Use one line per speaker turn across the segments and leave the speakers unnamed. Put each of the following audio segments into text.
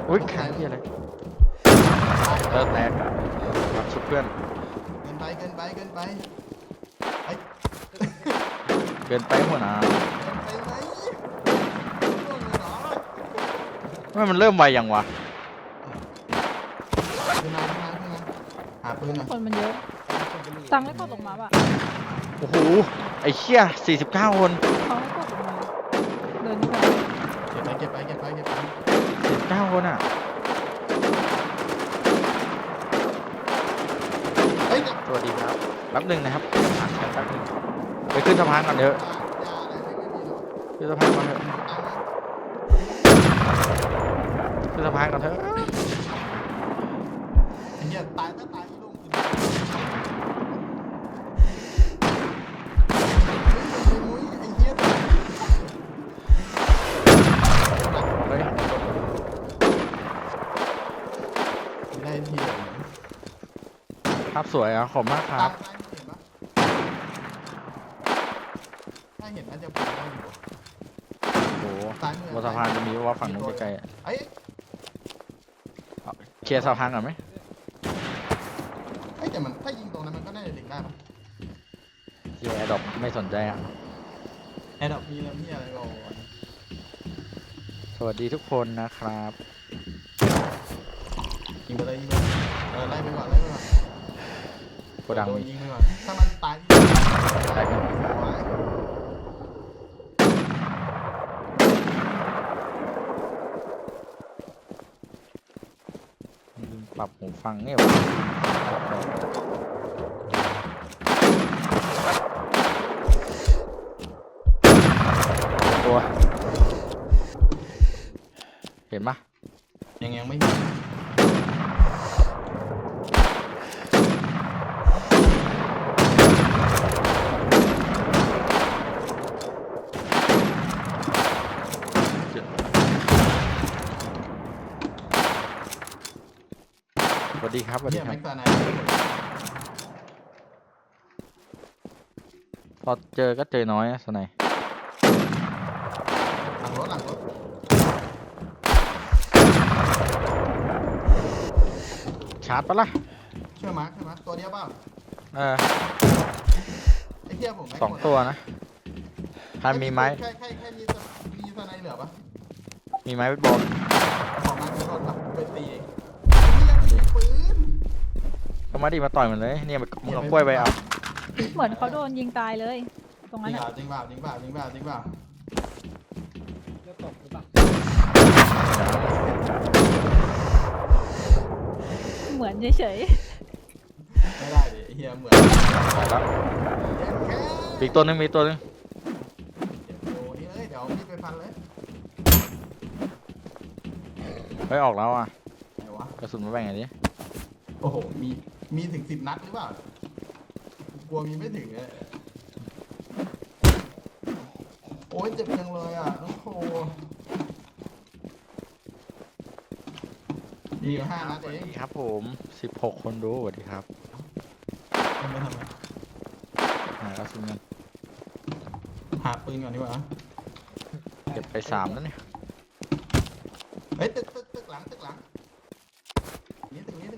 อุ้ยแข็งที่อะไรแตกรับชุบเพื่อน
เกินไปเกินไปเกินไปไอ้
เกินไปหัวหนา
เกินไปไหมร่วงเลยเหรอ
ว่ามันเริ่มไวยังวะ
ขึ้นมาหาปืนหน่อย
คนมันเยอะตังค์ไม่กดลงมาป่ะ
โอ้โหไอ้เชี่ย49 คน
เขาไม่กดลงมาเดินนี่ไป
เก็บไป
49 คนอ่ะ
เฮ้ยเดี๋ยว
สวัสดีครับแป๊บหนึ่งนะครับผ่านแป๊บหนึงไปขึ้นสะพานก่อนเถอะ
ยาอะไรไม่มีหรอก
ขึ้นสะพานก่อนเถอะ
ตังค์นะ
ขึ้นสะพานก่อนเถอะ
ไอ้เหี้ยตายไม่ลงคืนมุ้ยไอ้เหี้ย
เฮ้ย
ได้ที
ภาพสวยอ่ะขอบมากค
ตา
รั
ย
บ
เห็นปะถ้าเห็นน่าจะปลดได้อยู่
โอ้โห
ซ้ายมือบ
นสะพานจะมีว่าฝั่งนู้นใกล้ๆอะ
เอ้ย
เคลียร์สะพานก่อนไหม
แต่มันถ้ายิงตรงนั้นมันก็น่าจะดึงได้ปะ
เคลียร์แอร์ดรอปไม่สนใจอ่ะ
แอร์ดรอปมีแล้วมีอะไรก่อน
สวัสดีทุกคนนะครับ
ยิงไปเลยไล่ไปก่อน
โกดังมี
ยิงไปก่อนถ้ามันตาย
แตกหนึ่งปรับหูฟังเนี่ยวะตัวเห็นปะ
ยังไม่มี
สวัสดีครับสวัสดี
เนี่ย
ครั
แม็
บ
กซ์ตาไน
พอเจอก็เจอน้อยนะสไนย
หลังรถ
ชาร์จปะล่ะ
ช่วยมาร์คใช่ไหมตัวเดียวเปล่า
เออ
ไอ้เหี้ยผมแม็กซ์
สอง
หมด
ตัวนะพันมีไม้
แค่มีตาไนเหลือปะ
มีไม้เบสบอล
ขอมาร์คโดนปะไปตีเองนี่ยังมีปืน
ก็มาดิมาต่อยมันเลยเนี่ยมึงเอากล้วยไปเอา
เหมือนเขาโดนยิงตายเลย ตรงนั้นอ่ะ
จริงเปล่า
เหมือนเฉย
ไม่ได้ดิไอ้เหี้ยเหมือน
ตายแล้ว
แค่
อีกตัวหนึงมีตัวหนึง
โอ้นี่เลยเดี๋ยวพี่ไปฟันเลย
เฮ้ยออกแล้วอ่ะ
ไหนวะ
กระสุนมาแบ่งไงดิ
โอ้โหมีถึง10 นัดหรือเปล่า กลัวมีไม่ถึงเลยโอ้ยเจ็บจังเลยอ่ะน้องโคมีอยู่5 นัด
สวัส
เอง
ดีครับผม16 คนดูสวัสดีครับ
ทำไม
หากระสุนเงิน
หาปืนก่อนดีกว่า
เก็บไป3แล้วเนี่ย
เฮ้ยตึกหลังนี่ตึกนี้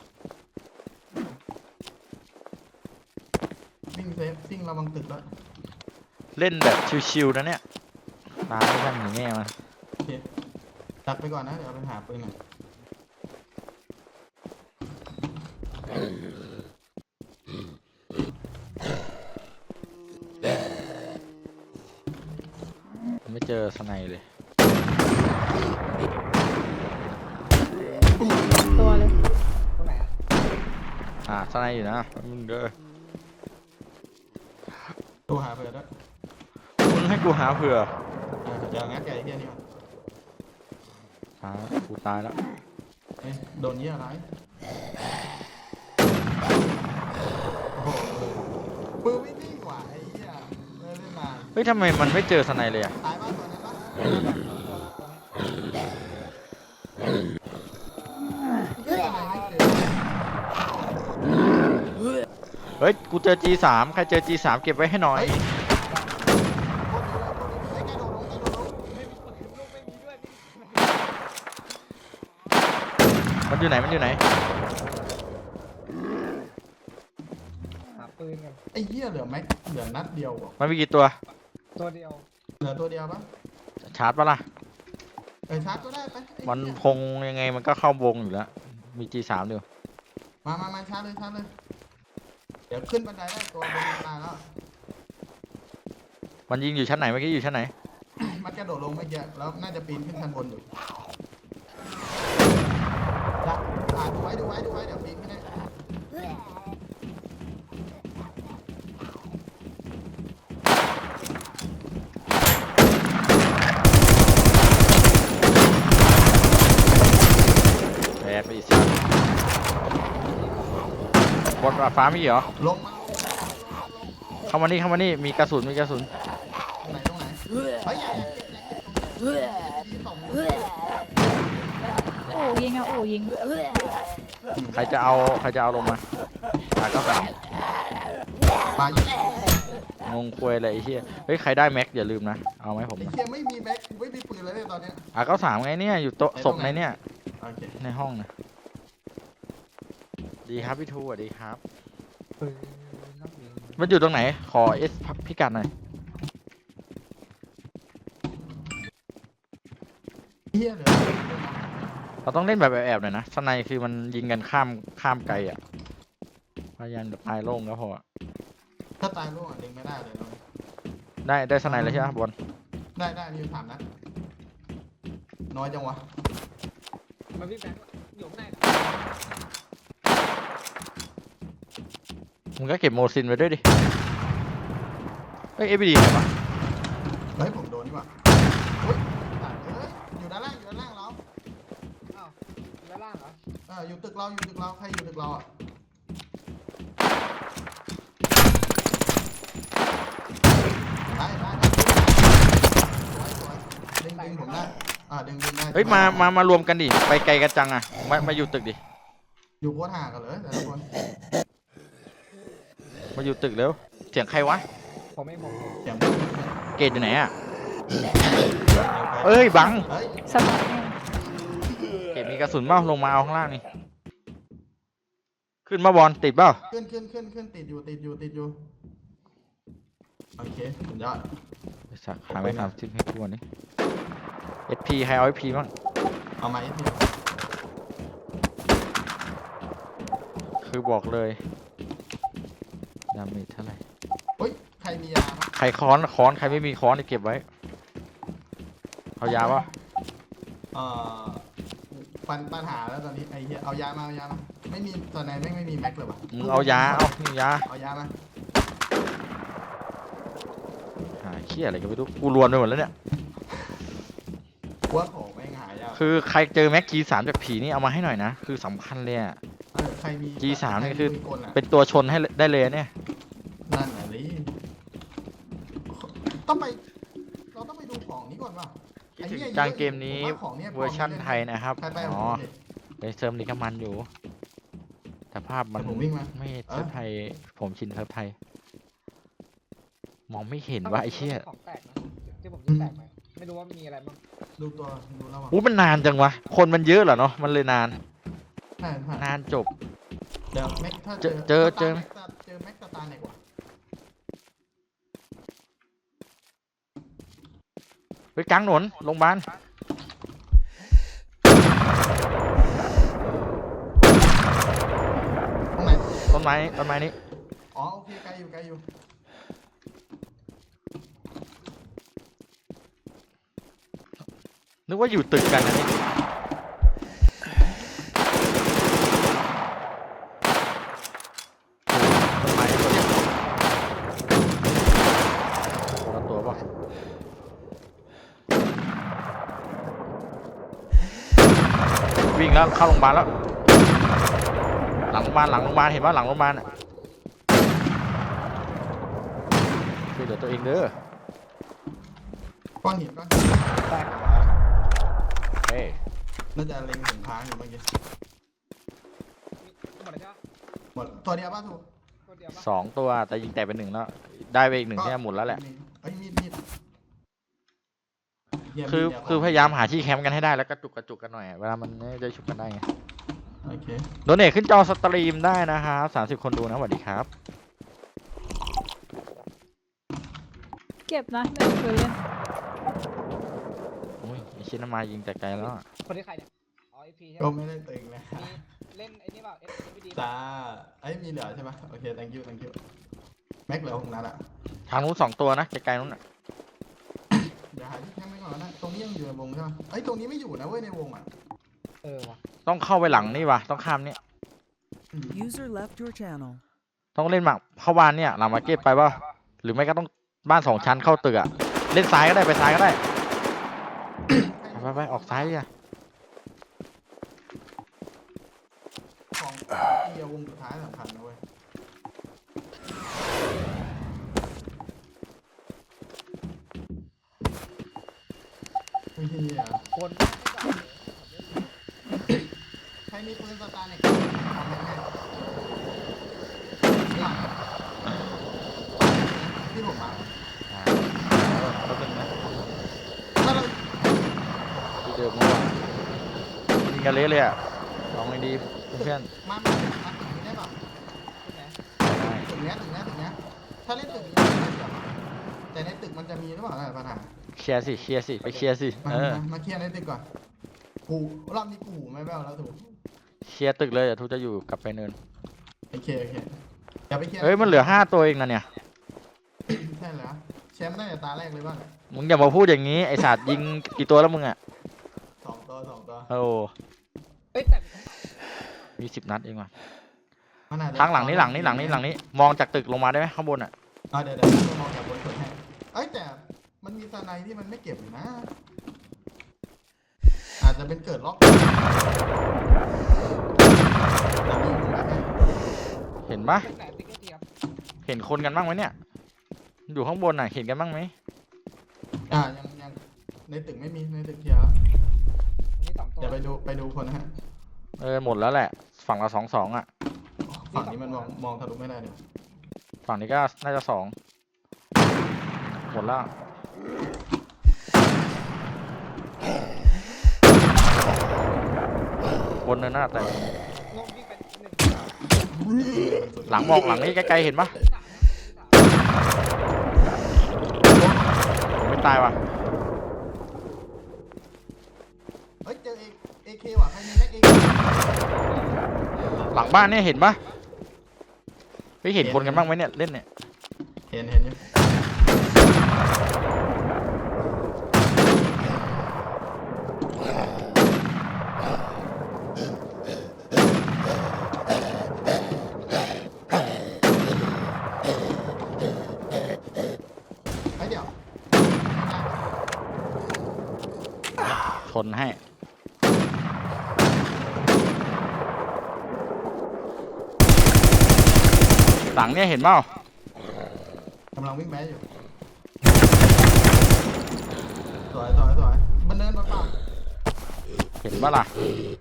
วิ่งเซฟวิ่งระวังตึกแล้ว
เล่นแบบชิวๆนะเนี่ยตามไม่ทันหนีแม่มัน
โอเคดักไปก่อนนะเดี๋ยวไปหาปืนหน่อย
ไม่เจอสไนเลย
ๆตัวเลย
สไนอยู่นะมึงเด้อ
ตัวหาเผื่อด้วย
มึงให้กูหาเผื่อ
เดี๋ยวงัดไก่เฮียนี่มา
กูตายแล้ว
เฮ้ยโดนเยี่ยอะไรโอ้โหปืนไม่นิ่งกว่าไอ้เหี้ยไม่ได้มา
เฮ้ยทำไมมันไม่เจอสไนเลยอ่ะ
ตายบ้านตัวนั้นปะเฮ้ยอะไรไม่เจอ
เฮ้ยกูเจอ G3 ใครเจอ G3 เก็บไว้ให้หน่อย
โ
มันอยู่ไหนมันอยู่ไหน
หาปืนกัน
ไอ้เหี้ยเหลือแม็กเหลือนัดเดียวว่ะ
มันมีกี่ตัว
ตัวเดียว
เหลือตัวเดียวปะ
ชาร์จปะล่ะ
ชาร์จก็ได้ไปไอ้
มัน
เหี้ย
คงยังไงมันก็เข้าวงอยู่แล้วมี G3 อยู่
มาชาร์จเลยชาร์จเลยเดี๋ยวขึ้นบันไดได้ตัวบนมาแล้ว
มันยิงอยู่ชั้นไหนเมื่อกี้อยู่ชั้นไหน
มันกระโดดลงเมื่อกี้แล้วน่าจะปีนขึ้นชั้นบนอยู่นะดูไว้เดี๋ยวปีนขึ้นได้
แพ้ไปอีกสิบนฟ้ามีเหรอ
ลงมา
เข้ามานี่มีกระสุน
ตรงไหนเฮ้ยที่ส่ง
โอ้ยิงอ่ะโอ้ยิง
ใครจะเอาลงมาก็สาม
ปาอยู่
งงควยอะไรไอ้เหี้ยเฮ้ยใครได้แม็กอย่าลืมนะเอาไหมผม
ไอ้
นะ
เหี้ยไม่มีแม็กไม่มีปืนเลยเนี่ยตอนเนี้ย
ก็สามไงเนี่ยอยู่โต๊ะศพในเนี่ย
โอเค
ในห้องนะดีครับพี่ทูสวัสดีครับ
ปืนนักยิง
มันอยู่ตรงไหนขอเอสพิกัดหน่อย
เหี้ยเหลือ
เราต้องเล่นแบบแอบๆหน่อยนะสไนคือมันยิงกันข้ามไกลอ่ะพยายามแบบตายโล่งก็พอ
ถ้าตายร่วงดึงไม่ได้เลยเรา
ได้สไนเลยใช่ไหมบอล
ได้มีอยู่3 นัดน้อยจังวะ
มันพี่แบงค์อยู่ข้างใน
มึงก็เก็บโมซินไว้ด้วยดิเฮ้ยเอฟบีดีไหนวะ
เฮ้ยผมโดนนี่หว่าอุ้ยตายเลยอยู่ด้านล่างเรา
อ้าวด้านล่างเหรอ
อยู่ตึกเราใครอยู่ตึกเราอ่ะได้สวยดึงผมได้ดึงได้
เฮ้ยมารวมกันดิไปไกลกันจังอ่ะมาอยู่ตึกดิ
อยู่โคตรห่างกันเลยแต่ละคน
มาอยู่ตึกเร็วเสียงใครวะ
ผมไม่ผม
อย่าง
เกตอยู่ไหนอ่ะเอ้ยบัง
เฮ้ย
สบายแน่
เกตมีกระสุนเปล่าลงมาเอาข้างล่างนี่ขึ้นมาบอลติดเปล่า
ขึ้นติดอยู่โอเคสุดยอด
ไอ้สักหาไม่ทำซิปให้ทุกวันนี้ SP ใครเอา SP บ้าง
เอาไหมพี่
คือบอกเลยดาเมจเท่าไหร่
เฮ้ยใครมียาไหม
ใครค้อนใครไม่มีค้อนเก็บไว้เอายาป่ะ
ปัญหาแล้วตอนนี้ไอ้เหี้ยเอายามาไม่มีตอนไหนไม่มีแม็กเลยว่ะ
มึงเอายานี่ยา
เอายามา
หาเขี้ยอะไรกันไม่รู้กูรวนไปหมดแล้วเนี่ย
ว่าของไม่หายาก
คือใครเจอแม็ก G3 จากผีนี่เอามาให้หน่อยนะคือสำคัญเลยอะ
ใครมี
G3 นี่คือ
ใรมีปืกลอะ
เป็นตัวชนให้ได้เลยเนี่ย
นั่นแหละดิต้องไปเราต้องไปดูของนี้ก่อนว่ะไอ้หี้ย
จางเกมนี้
ผมว่าของย
เวอร์ชั่นไทยนะครับ
ใครไป
อ๋อไปเซิร์ฟนี้ก็มันอยู่ แต่ภาพมัน
ผมวิ่งมา
ไม่เซิร์ฟไทย ผมชินเซิร์ฟไทย มองไม่เห็นว่าไอ้เชี่ย
ของแตกนะที่ผมยิงแตกไปไม่รู้ว่ามีอะไรบ้าง
ดูตัวดูแล้วว่ะ
อู้มันนานจังวะ คนมันเยอะเหรอเนาะ มันเลยนาน
ใช่
นานจบ
เดี๋ยวแม็กถ้า
เจอ
เจอแม็กสตาร์ไหนกว่า
ไปกลางถนนโรงพยาบาล
ตรงไหน
ต้นไม้นี้
อ๋อโอเคไกลอยู่
นึกว่าอยู่ตึกกันนะนี่ต้นไม้ตัวเดียวคนละตัวป่ะวิ่งแล้วเข้าโรงพยาบาลแล้ว หลังโรงพยาบาลเห็นว่าหลังโรงพยาบาลอ่ะช่วยเหลือตัวเองเด้อ
ก้อนหิน
แตก
เฮ้ย
น่าจะเล็งเห็นทางอยู่เมื่อกี้
หมดแล้วใช่ปะ
หมดตัวเดียวป่ะถูก
ตัวเดียวปะ
2 ตัวแต่ยิงแตกไป 1แล้วได้ไปอีก 1ที่หมดแล้วแหละ
เอ้ยมีดเยี่ยม
คือ
เดี๋ยว
คือพยายามหาที่แคมป์กันให้ได้แล้วกระจุกกันหน่อยอะเวลามันไม่ได้ชุบกันได้ไง
โอเค
โดเนทขึ้นจอสตรีมได้นะครับ30 คนดูนะสวัสดีครับ
เก็บนะไม่เคยเล่น
โอ้ยไอชินมายิงแต่ไกลแล้วอะ
คนที่ใครเนี่ย อ๋อ FP ใช่
ก็
ไหม
ไม่ได้ตึงนะ
มีเล่นไอ้นี่เปล่า FPD
จ้าไอ้ยมีเหลือใช่ไหมโอเค thank you thank you แม็กเหลือ6 นัดอะ
ทางนู้น2 ตัวนะไกลๆนู้นอะ
เดี๋ยวหาที่แคมป์ไว้ก่อนนะตรงนี้ยังอยู่ในวงใช่ไหมเอ้ยตรงนี้ไม่อยู่นะเว้ยในวงอ่ะ
เออว่ะ
ต้องเข้าไปหลังนี่วะต้องข้ามเนี่ย
อืม
User left your channel.
ต้องเล่นหมักเข้าบ้านเนี่ยหลังมาร์เก็ตไปป่ะหรือไม่ก็ต้องบ้าน2 ชั้นเข้าตึกอะเล่นซ้ายก็ได้ไปซ้ายก็ได้ ไปออกซ้ายอ่ะ
ของเดียววงสุดท้ายสำคัญนะเว้ยเฮีย
คน
ใครมีปืนสตาร์เนี่ยเอาแม่งให้หลังที่ผมมา
แป๊บนึงนะ
ถ้าเรา
ที่เดิมเมื่อวานยิงกันเละเลยอ่ะลองไงดีเพื่อน
มาตึกนี้ได้ป่ะ
ๆ
ตึกเนี้ยถ้าเล่นตึกนี้ได้เปรียบแต่ในตึกมันจะมีหรือเปล่าปัญหา
เคลียร์สิไปเคลียร์สิ
มา
เออ
มาเคลียร์ในตึกก่อนกูรอบนี้กูไม่แว่วแล้วถูก
เคลียร์ตึกเลยเดี๋ยวทูจะอยู่กลับไปเนิน
โอเคอย่าไปเคลียร์
เฮ้ยมันเหลือ5 ตัวเองนะเนี่ย
ใช่แล้วแชมป์ตั้งแต่ตาแรกเลยบ้าง
มึงอย่ามาพูดอย่างนี้ไอสัตว์ยิงกี่ตัวแล้วมึงอ่ะ
สองตัว
โอ้
เอ้ยแต่
มี10 นัดเองว่ะ
มันอาจจะ
ทางหลังนี้มองจากตึกลงมาได้ไหมข้างบนอ่ะ
เดี๋ยวมองจากบนสุดให้เอ้ยแต่มันมีสไนด์ที่มันไม่เก็บอยู่นะ อาจจะเป็นเกิดล็อกแต่มีอยู่นะ
เห็นปะ
เป็นไหนติ๊กเกอร์เทียบ
เห็นคนกันบ้างไหมเนี่ยอยู่ข้างบนอ่ะเห็นกันบ้างไหม
ยังในตึกไม่มีในตึกเคลียร์แล้ว
อันนี้2 ตัว
เดี๋ยวไปดูคนนะฮะ
หมดแล้วแหละฝั่งละ2-2อ่ะ
ฝั่งนี้มันมองทะลุไม่ได้เลย
ฝั่งนี้ก็น่าจะ2หมดแล้วบนเนินหน้าแต่
ลงวิ่งไป1
หลังมองหลังนี้ไกลๆเห็นปะผมไม่ตายว่ะ
เฮ้ยเจอเอเคว่ะใครมีแม็กเอเค
หลังบ้านเนี่ยเห็นปะไม่เห็นคนกันบ้างไหมเนี่ยเล่นเนี่ย
เห็นอยู่ไอ้เดี๋ยว
ชนให้หลังเนี่ยเห็นเปล่าก
ำลังวิ่งแม้อยู่สวยมันเดินมาเปล่า
เห็นปะล่ะ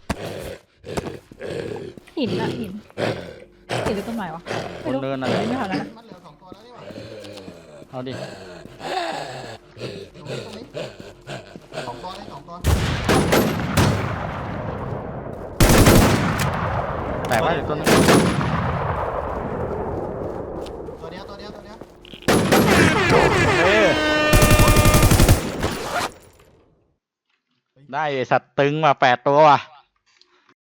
หินอะหินหรือต้นไม้วะ
บนเนินอะไร
ไม่ทันแล้วนะ
มันเหลือ2 ตัวแล้วนี่หว่า
เอาดิ
ตรงนี้2 ตัวได้2 ตัว
แต่ว่าอยู่ต้น
ตัวเดียว
เอ้ยได้ไอ้สัตว์ตึงมา8 ตัวว่ะ